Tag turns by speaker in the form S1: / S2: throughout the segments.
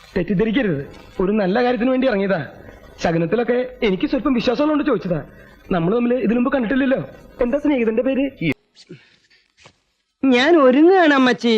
S1: തെറ്റിദ്ധരിക്കരുത്, ഒരു നല്ല കാര്യത്തിന് വേണ്ടി ഇറങ്ങിയതാ. ശകനത്തിലൊക്കെ എനിക്ക് സ്വല്പം വിശ്വാസമുള്ളതുകൊണ്ട് ചോദിച്ചതാ. നമ്മൾ തമ്മിൽ ഇതിനു മുമ്പ് കണ്ടിട്ടില്ലല്ലോ. എന്താ സ്നേഹിതന്റെ പേര്?
S2: ഞാൻ ഒരുങ്ങാണ് അമ്മച്ചി.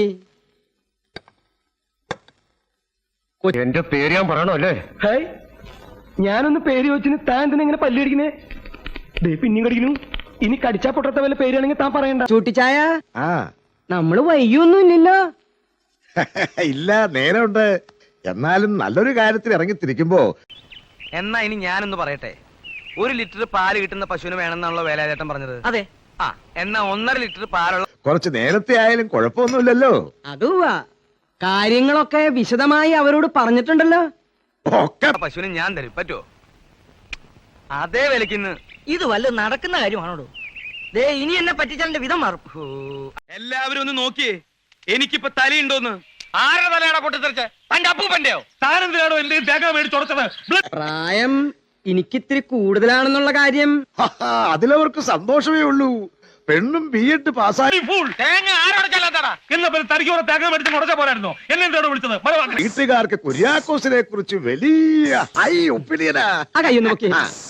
S3: എന്റെ പേര് ഞാൻ പറയണോ അല്ലേ?
S1: ഹായ്, ഞാനൊന്ന് പേര് ചോദിച്ചിന് താൻ എന്തിനാ ഇങ്ങനെ പല്ലടിക്കുന്നേ? ദേ പിന്നെയും കടിക്കുന്നു. ഇനി കടിച്ചാ പൊട്ടത്ത വല്ല പേരാണെങ്കിൽ താൻ പറയണ്ട.
S2: ചൂട്ടിച്ചായ, നമ്മള് വൈകിയൊന്നും ഇല്ലല്ലോ.
S4: ഇല്ല, നേരമുണ്ട്. എന്നാലും നല്ലൊരു കാര്യത്തിൽ ഇറങ്ങിത്തിരിക്കുമ്പോ.
S5: എന്നാ ഇനി ഞാനൊന്ന് പറയട്ടെ. 1 ലിറ്റർ പാല് കിട്ടുന്ന പശുവിന് വേണമെന്നാണല്ലോ വേലാചേട്ടൻ പറഞ്ഞത്.
S2: അതെ.
S5: ആ, എന്നാ 1.5 ലിറ്റർ പാലുള്ള
S4: കുറച്ച് നേരത്തെ ആയാലും കുഴപ്പമൊന്നുമില്ലല്ലോ.
S2: അതുവാ, കാര്യങ്ങളൊക്കെ വിശദമായി അവരോട് പറഞ്ഞിട്ടുണ്ടല്ലോ.
S4: ഒക്കെ
S5: പശുവിന് ഞാൻ തരും. പറ്റുമോ? അതേ വിലക്കിന്ന്.
S2: ഇത് വല്ല നടക്കുന്ന കാര്യമാണോ? ദേ ഇനി എന്നെ പറ്റിച്ചാലിന്റെ വിധം മാറും.
S5: എല്ലാവരും ഒന്ന് നോക്കിയേ, എനിക്കിപ്പോ തലയുണ്ടോന്ന്. ആരുടെ തലയാണോ പൊട്ടിത്തെറിച്ച? തന്റെ അപ്പൂപ്പന്റെയോ? താനെന്തിനാണോ എന്റെ തേങ്ങ മേടിച്ചോടച്ചത്?
S2: പ്രായം എനിക്കിത്തിരി കൂടുതലാണെന്നുള്ള കാര്യം
S4: അതിലവർക്ക് സന്തോഷമേ ഉള്ളൂ. പെണ്ണും B.Ed പാസ്സായി.
S5: തേങ്ങ ആരോടച്ചല്ലാത്താടാ?
S6: എന്നാ തനിക്ക് തേങ്ങ മേടിച്ച് മുടച്ച പോരായിരുന്നോ? എന്നെ വിളിച്ചത്?
S4: വീട്ടുകാർക്ക് കുര്യാക്കോസിനെ കുറിച്ച് വലിയ ഹൈ ഒപ്പീനിയനാ.
S2: ആ കയ്യൊന്ന് നോക്കി.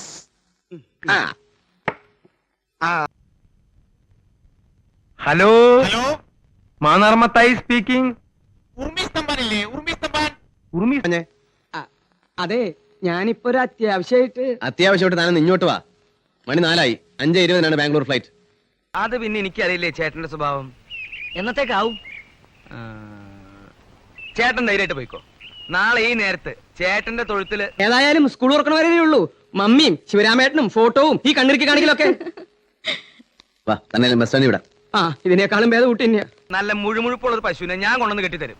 S5: ഹലോ, മാനാർമത്തായി സ്പീക്കിംഗ്.
S2: അതെ, ഞാനിപ്പോ ഒരു
S3: അത്യാവശ്യമായിട്ട് താനും ഇങ്ങോട്ട് വാ. മണി 4ആയി. 5:20 ബാംഗ്ലൂർ ഫ്ലൈറ്റ്.
S5: അത് പിന്നെ എനിക്കറിയില്ലേ ചേട്ടന്റെ സ്വഭാവം.
S2: എന്നത്തേക്കാവും?
S5: ചേട്ടൻ ധൈര്യമായിട്ട് പോയിക്കോ. നാളെ ഈ നേരത്ത് ചേട്ടന്റെ തൊഴുത്തില്.
S2: ഏതായാലും സ്കൂൾ തുറക്കണ വരേ ഉള്ളൂ. മമ്മിയും ശിവരാമേട്ടനും ഫോട്ടോവും ഈ കണ്ണിറുക്കി കാണിക്കലൊക്കെ.
S3: വാ, തന്നെ ബസ് സ്റ്റാൻഡിൽ വിടാം.
S2: ആ, ഇതിനേക്കാളും ഭേദം ഊട്ടി തന്നെയാ.
S5: നല്ല മുഴുമുഴുപ്പുള്ള ഒരു പശുവിനെ ഞാൻ കൊണ്ടുവന്ന് കെട്ടിത്തരും.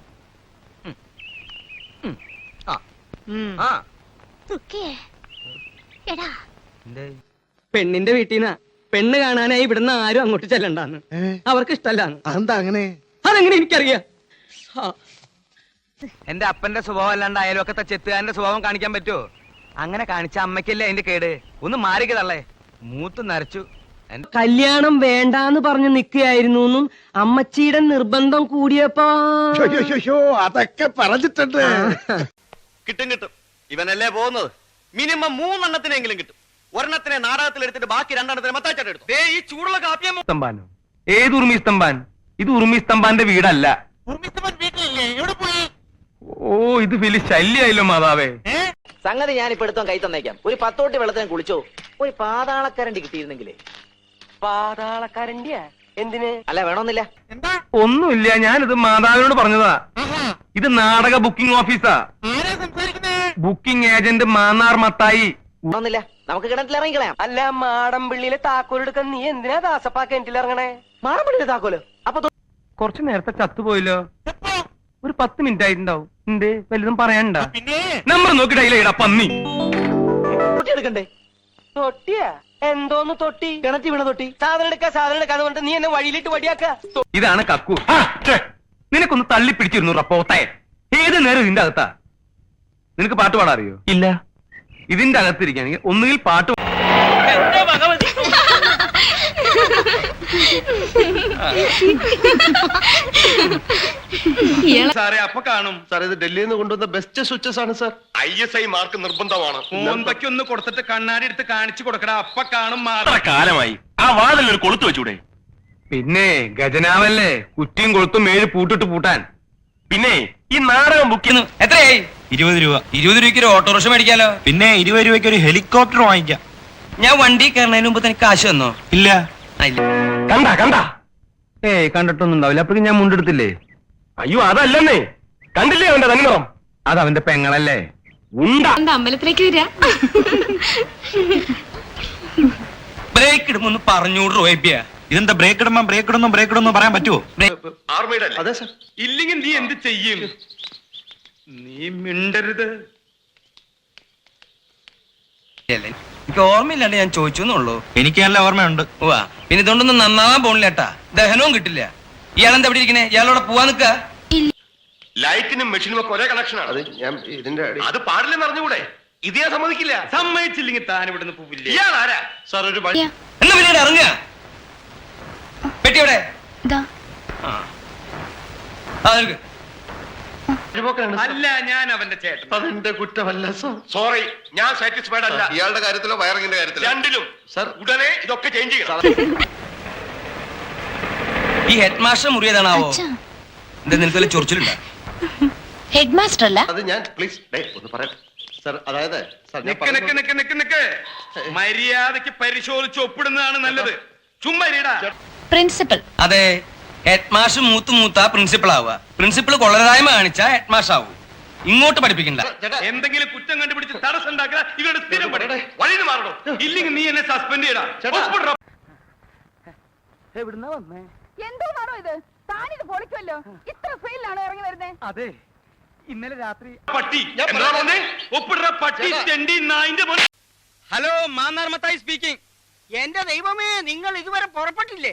S2: പെണ്ണിന്റെ വീട്ടിൽ നിന്നാ. പെണ്ണ് കാണാനായി ഇവിടുന്ന് ആരും അങ്ങോട്ട് ചെല്ലണ്ടാന്ന്. അവർക്ക് ഇഷ്ടല്ലാന്ന്.
S4: അതെന്താ അങ്ങനെ?
S2: അതെങ്ങനെ എനിക്കറിയാം.
S5: എന്റെ അപ്പന്റെ സ്വഭാവം അല്ലാണ്ട് അയൽവക്കത്തെ ചെത്തുകാരന്റെ സ്വഭാവം കാണിക്കാൻ പറ്റുമോ? അങ്ങനെ കാണിച്ച അമ്മയ്ക്കല്ലേ അതിന്റെ കേട്. ഒന്ന് മാറിക്കതള്ളേ. മൂത്ത് നരച്ചു.
S2: കല്യാണം വേണ്ടാന്ന് പറഞ്ഞു നിക്കുകയായിരുന്നു. അമ്മച്ചിയുടെ നിർബന്ധം കൂടിയപ്പോ
S4: അതൊക്കെ പറഞ്ഞിട്ടുണ്ട്.
S7: കിട്ടും കിട്ടും. ഇവനല്ലേ പോകുന്നത്. മിനിമം 3 എണ്ണത്തിനെങ്കിലും കിട്ടും. ഒരെണ്ണത്തിനെ നാടകത്തിൽ എടുത്തിട്ട് ബാക്കി 2 എണ്ണത്തിനെ മത്താച്ചാട്ട് എടുത്തു.
S5: ഈ ചൂടുള്ള കാപ്പിയം സ്തംഭാനോ? ഏത് ഉറുമി സ്തംഭാൻ? ഇത് ഉറുമി സ്തംഭാന്റെ വീടല്ല. ഓ, ഇത് വലിയ ശല്യായല്ലോ മാതാവേ.
S8: സംഗതി ഞാൻ ഇപ്പൊ എടുത്തോ കൈ തന്നേക്കാം. ഒരു 10 തൊട്ടി വെള്ളത്തിന് കുളിച്ചോ. ഒരു പാതാളക്കരണ്ടി കിട്ടിയിരുന്നെങ്കിലേ.
S2: പാതാളക്കരണ്ടിയാ? എന്തിന്?
S8: അല്ല, വേണമെന്നില്ല.
S5: ഒന്നുമില്ല, ഞാനിത് മാതാവിനോട് പറഞ്ഞതാ. ഇത് നാടക ബുക്കിംഗ് ഓഫീസാ. Booking agent Mannar Mathai.
S8: വേണമെന്നില്ല, നമുക്ക് കിണറ്റിൽ ഇറങ്ങിക്കളയാം.
S2: അല്ല, മാടമ്പിള്ളിയിലെ താക്കോലെടുക്കാൻ നീ എന്തിനാ ദാസപ്പാ കിണറ്റിൽ ഇറങ്ങണേ?
S8: മാടമ്പിള്ളിയിലെ താക്കോലോ? അപ്പൊ
S5: കുറച്ചു നേരത്തെ ചത്തുപോയല്ലോ. ഒരു 10 മിനിറ്റ് ആയിട്ടുണ്ടാവും. എന്തേ വലുതും പറയാനുണ്ടാ? നമ്പർ നോക്കി ഡയൽ പന്നി.
S8: തൊട്ടി എടുക്കണ്ടേ?
S2: തൊട്ടിയാ? എന്തോന്ന് തൊട്ടി?
S8: കിണറ്റി വീണ തൊട്ടി.
S2: സാധനം എടുക്കാന്ന് പറഞ്ഞിട്ട് നീ എന്നെ വഴിയിലിട്ട് വടിയാക്ക.
S5: ഇതാണ് കക്കു. നിനക്കൊന്ന് തള്ളി പിടിച്ചിരുന്നു പോത്തെ. ഏത് നേരം ഇതിന്റെ അകത്താ. നിനക്ക് പാട്ട് പാടാൻ അറിയോ? ഇല്ല. ഇതിന്റെ അകത്തിരിക്കുകയാണെങ്കിൽ ഒന്നുകിൽ പാട്ട്.
S7: സാറേ, അപ്പൊ കാണും സാർ. ഇത് ഡൽഹിയിൽ നിന്ന് കൊണ്ടുവന്ന ബെസ്റ്റ് സ്വിച്ചസ് ആണ് സാർ. ISI മാർക്ക് നിർബന്ധമാണ്.
S5: മോന്തയ്ക്ക് ഒന്ന് കൊടുത്തിട്ട് കണ്ണാടി എടുത്ത് കാണിച്ചു കൊടുക്കടാ. അപ്പ കാണും.
S6: കാലമായി ആ വാതിൽ ഒരു കൊളുത്ത് വെച്ചൂടെ?
S5: പിന്നെ ഗജനാവല്ലേ, കുറ്റിയും കൊളുത്തും 7 പൂട്ടിട്ട് പൂട്ടാൻ.
S6: പിന്നെ ഈ നാടകം ബുക്ക് ചെയ്യുന്നു.
S5: എത്രയായി?
S6: 20 രൂപ.
S5: 20 രൂപയ്ക്ക് ഒരു ഓട്ടോറിക്ഷ മേടിക്കാലോ.
S6: പിന്നെ 20 രൂപയ്ക്ക് ഒരു ഹെലികോപ്റ്റർ വാങ്ങിക്കാം.
S5: ഞാൻ വണ്ടി കയറുന്നതിന് മുമ്പ് തനിക്ക് കാശ് തന്നോ?
S6: ഇല്ല.
S5: കണ്ട ഏയ് കണ്ടിട്ടൊന്നും ഉണ്ടാവില്ല. അപ്പോഴേക്കും ഞാൻ മുണ്ടെടുത്തില്ലേ.
S6: അയ്യോ, അതല്ലെന്നേ. കണ്ടില്ലേ അവന്റെ തനിനിറം?
S5: അത് അവന്റെ പെങ്ങളല്ലേ.
S9: അമ്പലത്തിലേക്ക് വരിക.
S5: ബ്രേക്ക് ഇടുമ്പോ പറഞ്ഞൂട് റോയിപ്പിയ.
S6: ഇതെന്താ ബ്രേക്ക് ഇടുമ്പോ പറയാൻ പറ്റുമോ?
S7: ആർമിയുടെ
S6: അതെ സാർ.
S5: ഇല്ലെങ്കിൽ നീ എന്ത് ചെയ്യും? നീ മിണ്ടരുത്. എനിക്ക് ഓർമ്മയില്ലാണ്ട് ഞാൻ ചോദിച്ചെന്നുള്ളൂ.
S6: എനിക്ക് നല്ല ഓർമ്മയുണ്ട്.
S5: പിന്നെ ഇതുകൊണ്ടൊന്നും നന്നാവാൻ പോണില്ലേട്ടാ. ദഹനവും കിട്ടില്ല. ഇയാളെന്താ ഇവിടെ ഇരിക്കണേ? ഇയാളോടെ പോവാൻ നിക്ക.
S7: ലൈറ്റിനും മെഷീനും ഒക്കെ ഒരേ കണക്ഷനാണ്. അത് ഞാൻ ഇതിന്റെ അത് പാടില്ലെന്ന് അറിഞ്ഞുകൂടെ? ഇത് ഞാൻ സമ്മതിക്കില്ല.
S5: സമ്മതിച്ചില്ലെങ്കിൽ താൻ ഇവിടുന്ന് പോവില്ല.
S7: ഇയാളാരാ സാർ? ഒരു
S5: എന്നാ പിന്നീട് ഇറങ്ങുക. പെട്ടിയോടെ
S9: ദാ.
S5: ആ അല്ല, ഞാൻ അവന്റെ ചേട്ടൻ.
S7: അതെന്റെ കുറ്റമല്ല സർ.
S5: സോറി, ഞാൻ സാറ്റിസ്ഫൈഡ് അല്ല.
S7: ഇയാളുടെ കാര്യത്തിലോ വയറിങ്ങിന്റെ കാര്യത്തിലോ?
S5: രണ്ടിലും. സർ, ഉടനെ ഇതൊക്കെ ചേഞ്ച് ചെയ്യണം.
S2: ഈ ഹെഡ് മാസ്റ്റർ മുറിയതാണാവോ? എന്താ നിനക്ക് വല്ല ചൊറിച്ചിലുണ്ടോ?
S9: ഹെഡ് മാസ്റ്റർ അല്ല.
S7: അത് ഞാൻ പ്ലീസ് ഒന്ന് പറയട്ടെ സർ. അതായത് സർ, ഞാൻ
S5: നിക്ക് നിക്ക് നിക്ക് നിക്ക് നിക്ക്. മര്യാദക്ക് പരിശോധിച്ച് ഒപ്പിടുന്നതാണ് നല്ലത്. ചുമ്മാ ഇരിടാ.
S9: പ്രിൻസിപ്പൽ.
S2: അതെ, ഹെഡ് മാസ്റ്റർ മൂത്ത പ്രിൻസിപ്പൾ ആവുക. പ്രിൻസിപ്പൾ കൊള്ളരായ്മ കാണിച്ച ഹെഡ് മാസ്റ്റർ ആവും. ഇങ്ങോട്ട് പഠിപ്പിക്കണ്ട.
S7: ചേട്ടാ,
S5: എന്തെങ്കിലും കുറ്റം കണ്ടുപിടിച്ച് തടസ്സം ഉണ്ടാക്കുക ഇവരുടെ സ്ഥിരം പണി. വഴിന്ന് മാറണോ? ഇല്ലെങ്കിൽ നീ എന്നെ സസ്പെൻഡ് ചെയ്യടാ. ഒപ്പിടെടാ.
S1: എവിടുന്നാ വന്നേ?
S10: എന്തോന്നാണോ ഇത്? താനിത് പൊളിക്കുമല്ലോ. ഇത്ര ഫെയിലാണോ ഇറങ്ങി വരുന്നേ?
S1: അതെ, ഇന്നലെ രാത്രി
S5: പട്ടി എന്താ പറഞ്ഞേ? ഒപ്പിടുന്ന പട്ടി തെണ്ടി നായിന്റെ മോനെ.
S2: Hello, Mannar Mathai speaking.
S8: എന്റെ ദൈവമേ, നിങ്ങൾ ഇതുവരെ പുറപ്പെട്ടില്ലേ?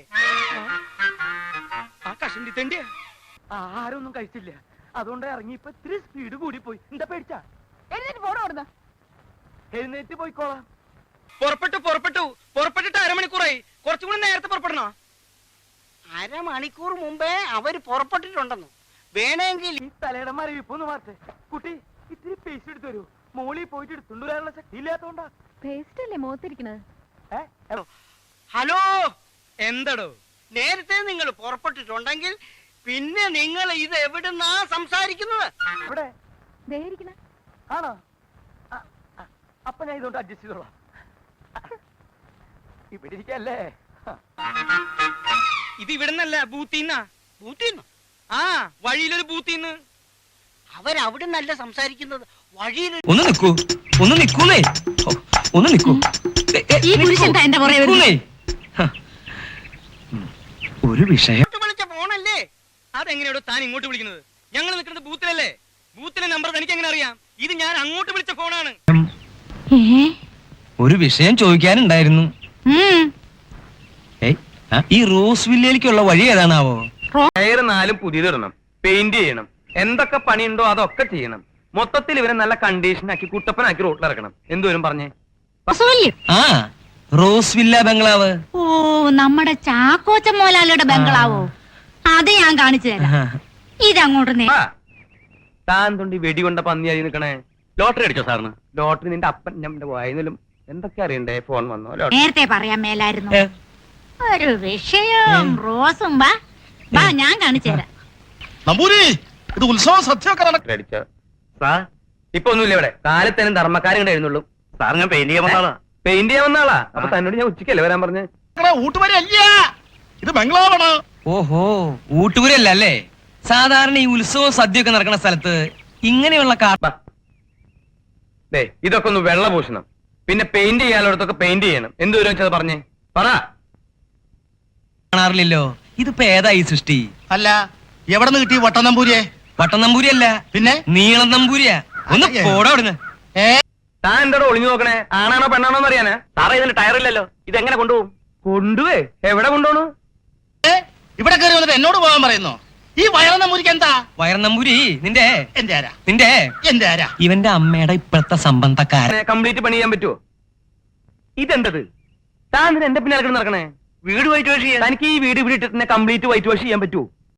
S2: ആ കഷണ്ടി തെണ്ടിയാ.
S1: ആരൊന്നും കഴിച്ചില്ല, അതുകൊണ്ട് ഇറങ്ങി ഇപ്പൊ ഇത്തിരി സ്പീഡ് കൂടി പോയി. എന്താ പേടിച്ചാ?
S10: എഴുന്നേറ്റ് പോണോ അവിടുന്ന്?
S1: എഴുന്നേറ്റ് പോയിക്കോളാം.
S2: പുറപ്പെട്ടിട്ട് അരമണിക്കൂറായി. കുറച്ചുകൂടി നേരത്തെ പുറപ്പെടണോ?
S8: അരമണിക്കൂർ മുമ്പേ അവര് പുറപ്പെട്ടിട്ടുണ്ടെന്നു. വേണമെങ്കിൽ
S1: ഈ തലയുടെ മരവിപ്പൊന്ന് മാറ്റേ. കുട്ടി, ഇത്തിരി പേസ്റ്റ് എടുത്തു തരൂ. മോളിൽ പോയിട്ട് എടുത്തുകൊണ്ട് വരാനുള്ള ശക്തി ഇല്ലാത്തോണ്ടാ.
S10: പേസ്റ്റ് അല്ലേ മുഖത്തിരിക്കണത്?
S8: ഹലോ,
S2: എന്തടോ?
S8: നേരത്തെ നിങ്ങൾ പുറപ്പെട്ടിട്ടുണ്ടെങ്കിൽ പിന്നെ നിങ്ങൾ ഇത് എവിടുന്നാ സംസാരിക്കുന്നത്?
S1: ഇവിടെ
S10: ദേഹിരിക്കണ
S1: ആണോ? അപ്പൊ ഞാൻ ഇതുകൊണ്ട് അഡ്ജസ്റ്റ് ചെയ്തോളാം. ഇവിടെ ഇരിക്കല്ലേ?
S2: ഇത് ഇവിടുന്നല്ല, ബൂത്തിന്നാ.
S8: ബൂത്തിന്ന്?
S2: ആ, വഴിയിലൊരു ബൂത്തിന്ന്.
S8: അവരവിടുന്നല്ല സംസാരിക്കുന്നത്, വഴിയിൽ.
S2: ഒന്ന് നിക്കൂന്നേ. ഒന്ന് നിക്കൂ.
S9: ഈ പുരുഷൻ എന്താ എന്റെ പുറകെ വരുന്നത്?
S2: നിക്കൂന്നേ. ഹ. ഒരു വിഷയം.
S8: വിളിച്ച ഫോണല്ലേ?
S2: അതെങ്ങനെയാണോ താൻ ഇങ്ങോട്ട് വിളിക്കുന്നത്? ഞങ്ങൾ നിൽക്കുന്നത് ബൂത്തിലല്ലേ? ബൂത്തിലെ നമ്പർ തനിക്ക് എങ്ങനെ അറിയാം? ഇത് ഞാൻ അങ്ങോട്ട് വിളിച്ച ഫോണാണ്. ഒരു വിഷയം ചോദിക്കാനുണ്ടായിരുന്നു. ഈ റോസ് വില്ലേക്കുള്ള വഴി ഏതാണാവോ?
S5: ടയറ് 4 പുതിയതിടണം, പെയിന്റ് ചെയ്യണം, എന്തൊക്കെ പണിയുണ്ടോ അതൊക്കെ ചെയ്യണം. മൊത്തത്തിൽ ഇവരെ നല്ല കണ്ടീഷനാക്കി കുട്ടപ്പനാക്കി റോട്ടിലിറക്കണം. എന്തോരും പറഞ്ഞേ?
S2: ആ, റോസ് വില്ല ബംഗ്ലാവ്.
S9: ഓ, നമ്മുടെ ചാക്കോച്ച മോലാലിയുടെ ബംഗ്ലാവോ? അത് ഞാൻ കാണിച്ചു തരാം. ഇതങ്ങോട്ട്
S5: ആ, താൻ തൊണ്ടി വെടികൊണ്ട പന്നിയായി നിൽക്കണേ. ലോട്ടറി അടിച്ചോ സാറിന്? ലോട്ടറി നിന്റെ അപ്പൻ നമ്മുടെ വായനലും എന്തൊക്കെ അറിയണ്ടേ? ഫോൺ വന്നോ? ലോട്ടറി
S9: നേരത്തെ പറയാൻ മേലായിരുന്നു. ഒരു വിഷയം റോസും വാ ഞാൻ കാണിച്ചു തരാം.
S6: നമ്പൂരി, ഇത് ഉത്സവം സത്യമൊക്കെ
S5: അടിച്ചോ സാർ? ഇപ്പൊ ഒന്നുമില്ല ഇവിടെ. കാലത്തേനും ധർമ്മക്കാരും കൂടെ എഴുന്നുള്ളൂ. സാർ, ഞാൻ പെയിന്റ് ചെയ്യാൻ വന്നാളാ. പെയിന്റ് ചെയ്യാൻ വന്നാളാ? അപ്പൊ തന്നോട് ഞാൻ ഉച്ചക്കല്ലേ വരാൻ പറഞ്ഞേ?
S6: ഊട്ടുവരല്ല, ഇത് ബംഗ്ലാവാണ്.
S2: ഓഹോ, ഊട്ടൂരല്ല അല്ലേ? സാധാരണ ഈ ഉത്സവവും സദ്യയൊക്കെ നടക്കുന്ന സ്ഥലത്ത് ഇങ്ങനെയുള്ള
S5: ദേ, ഇതൊക്കെ ഒന്ന് വെള്ളപൂശണം, പിന്നെ പെയിന്റ് ചെയ്യാനുള്ളടത്തൊക്കെ പെയിന്റ് ചെയ്യണം. എന്തോരം വെച്ചത് പറഞ്ഞേ? പറ.
S2: കാണാറില്ലല്ലോ. ഇതിപ്പോ ഏതാ ഈ സൃഷ്ടി?
S6: അല്ല, എവിടെ നിന്ന് കിട്ടി വട്ടം നമ്പൂരിയെ?
S2: വട്ടം നമ്പൂരിയല്ല,
S6: പിന്നെ
S2: നീളം നമ്പൂരിയാ. ഒന്ന് പോടാ അവിടുന്ന്.
S5: താൻ എന്താടോ ഒളിഞ്ഞു നോക്കണേ? ആണാണോ പെണ്ണാണോ എന്ന് അറിയാനാ? സാറേ, ഇതിന് ടയറില്ലല്ലോ. ഇതെങ്ങനെ കൊണ്ടുപോകും? കൊണ്ടുപോയി എവിടെ കൊണ്ടുപോണു?
S6: ഇവിടെ കയറി വന്നിട്ട് എന്നോട് പോകാൻ പറയുന്നു. ഈ വയറ നമ്പൂരിക്ക് എന്താ?
S2: വയർ നമ്പൂരി നിന്റെ
S6: എന്റെ ആരാ?
S2: ഇവന്റെ അമ്മയുടെ ഇപ്പോഴത്തെ സംബന്ധക്കാരൻ.
S5: കംപ്ലീറ്റ് പണി ചെയ്യാൻ പറ്റുമോ? ഇതെന്തത്? താൻ എന്റെ പിന്നാലെ നടക്കണേ? വീട് വൈറ്റ് വാഷ് ചെയ്യാൻ തനിക്ക് ഈ വീട് ഇവിടെ ഇട്ടിട്ട് കംപ്ലീറ്റ് വൈറ്റ് വാഷ് ചെയ്യാൻ പറ്റുമോ?